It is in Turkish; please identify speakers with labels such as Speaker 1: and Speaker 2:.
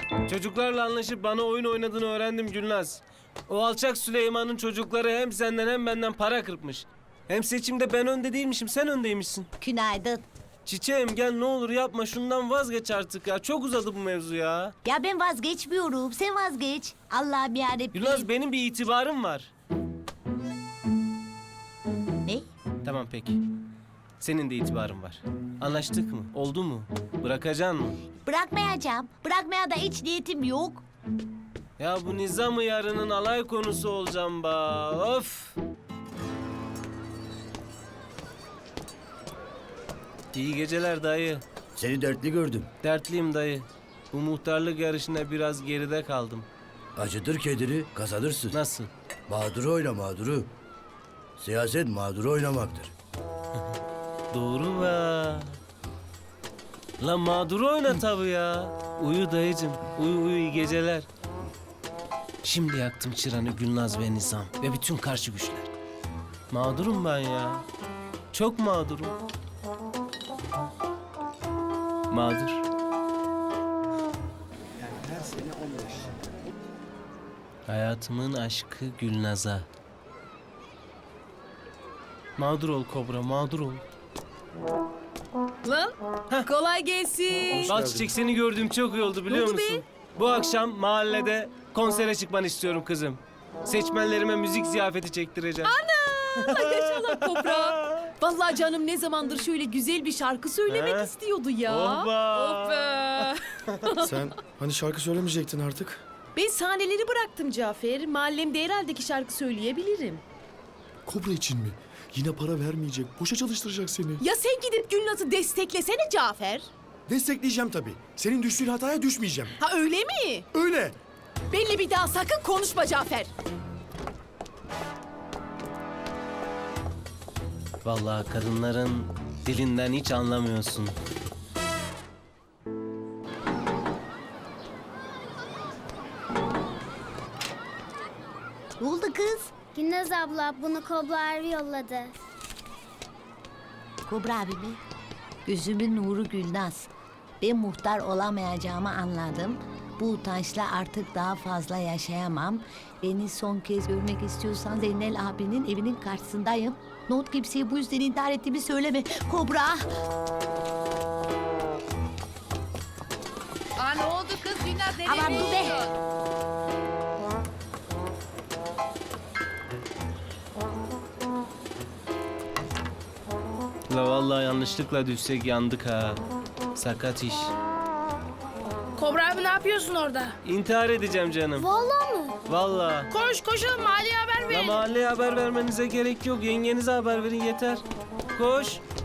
Speaker 1: Çocuklarla anlaşıp bana oyun oynadığını öğrendim Gülnaz. O alçak Süleyman'ın çocukları hem senden hem benden para kırpmış. Hem seçimde ben önde değilmişim, sen öndeymişsin.
Speaker 2: Günaydın.
Speaker 1: Çiçeğim gel ne olur yapma, şundan vazgeç artık ya. Çok uzadı bu mevzu ya.
Speaker 2: Ya ben vazgeçmiyorum. Sen vazgeç. Allah'ım yarabbim.
Speaker 1: Gülnaz benim bir itibarım var.
Speaker 2: Ne?
Speaker 1: Tamam peki. Senin de itibarın var. Anlaştık mı? Oldu mu? Bırakacaksın mı?
Speaker 2: Bırakmayacağım. Bırakmaya da hiç niyetim yok.
Speaker 1: Ya bu nizam-ı yarının alay konusu olacağım ba. Of! İyi geceler dayı.
Speaker 3: Seni dertli gördüm.
Speaker 1: Dertliyim dayı. Bu muhtarlık yarışında biraz geride kaldım.
Speaker 3: Acıdır kediri, kazanırsın.
Speaker 1: Nasıl?
Speaker 3: Mağduru oyna mağduru. Siyaset mağduru oynamaktır.
Speaker 1: Doğru be. Lan mağduru oyna tabii ya. Uyu dayıcım. Uyu iyi geceler. Şimdi yaktım çıranı Gülnaz ve Nizam ve bütün karşı güçler. Mağdurum ben ya. Çok mağdurum. Mağdur. Hayatımın aşkı Gülnaz'a. Mağdur ol Kobra, mağdur ol.
Speaker 4: Lan kolay gelsin.
Speaker 1: Bal Çiçek, seni gördüğüm çok iyi oldu biliyor
Speaker 4: Ne oldu
Speaker 1: musun?
Speaker 4: be?
Speaker 1: Bu akşam mahallede konsere çıkmanı istiyorum kızım. Seçmenlerime müzik ziyafeti çektireceğim.
Speaker 4: Yaşa Kobra. Vallahi canım ne zamandır şöyle güzel bir şarkı söylemek
Speaker 1: He?
Speaker 4: istiyordu ya.
Speaker 1: Oba.
Speaker 4: Oh be.
Speaker 5: Sen hani şarkı söylemeyecektin artık?
Speaker 4: Ben sahneleri bıraktım Cafer. Mahallemde herhalde ki şarkı söyleyebilirim.
Speaker 5: Kobra için mi? Yine para vermeyecek. Boşa çalıştıracak seni.
Speaker 4: Ya sen gidip Gülnaz'ı desteklesene Cafer.
Speaker 5: Destekleyeceğim tabii. Senin düştüğün hataya düşmeyeceğim.
Speaker 4: Ha öyle mi?
Speaker 5: Öyle.
Speaker 4: Belli bir daha sakın konuşma Cafer.
Speaker 1: Vallahi kadınların dilinden hiç anlamıyorsun.
Speaker 2: Ne oldu kız?
Speaker 6: Gülnaz abla bunu Kobra abi yolladı.
Speaker 2: Kobra abi mi? Gözümün nuru Gülnaz. Ben muhtar olamayacağımı anladım. Bu utançla artık daha fazla yaşayamam. Beni son kez görmek istiyorsan Zeynel abinin evinin karşısındayım. Not kimseye bu yüzden intihar ettiğimi söyleme. Kobra!
Speaker 7: Aa ne oldu kız Gülnaz nereye
Speaker 2: Aman dur be!
Speaker 7: gidiyorsun?
Speaker 1: La vallahi yanlışlıkla düşsek yandık ha. Sakat iş.
Speaker 8: Kobra abi ne yapıyorsun orada?
Speaker 1: İntihar edeceğim canım.
Speaker 6: Vallahi mı?
Speaker 1: Vallahi.
Speaker 8: Koş koşalım mahalleye haber
Speaker 1: La
Speaker 8: verelim.
Speaker 1: mahalleye haber vermenize gerek yok. Yengenize haber verin yeter. Koş.